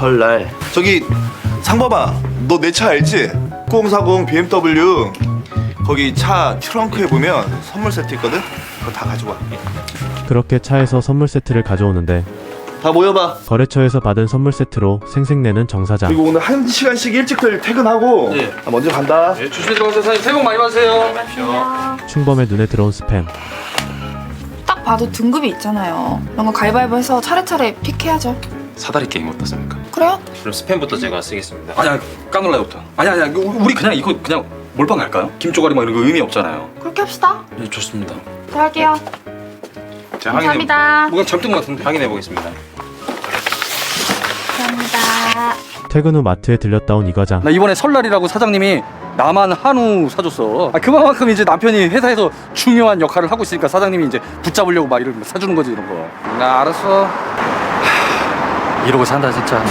설날. 저기 상범아, 너 내 차 알지? 9040 BMW. 거기 차 트렁크에 보면 선물 세트 있거든? 그거 다 가지고 와. 그렇게 차에서 선물 세트를 가져오는데 다 모여봐. 거래처에서 받은 선물 세트로 생색내는 정 사장. 그리고 오늘 1시간씩 일찍들 퇴근하고. 네. 나 먼저 간다. 네, 조심히 들어가세요. 사장님 새해 복 많이 받으세요. 충범의 눈에 들어온 스팸. 딱 봐도 등급이 있잖아요. 이런 거 가위바위보해서 차례차례 픽해야죠. 사다리 게임 어떻습니까? 그래요? 그럼 스팸부터 제가 쓰겠습니다. 아니야, 깡놀라요부터. 아니야, 우리 그냥 이거 그냥 몰빵 갈까요? 김조가리 막 이런 거 의미 없잖아요. 그렇게 합시다. 네, 좋습니다. 네, 할게요. 제가 감사합니다. 뭐가 잘못된 것 같은데. 확인해 보겠습니다. 감사합니다. 퇴근 후 마트에 들렸다 온 이 과장. 나 이번에 설날이라고 사장님이 나만 한우 사줬어. 그만큼 이제 남편이 회사에서 중요한 역할을 하고 있으니까 사장님이 이제 붙잡으려고 막 이런 거 사주는 거지, 이런 거. 나 알았어. 이러고 산다 진짜.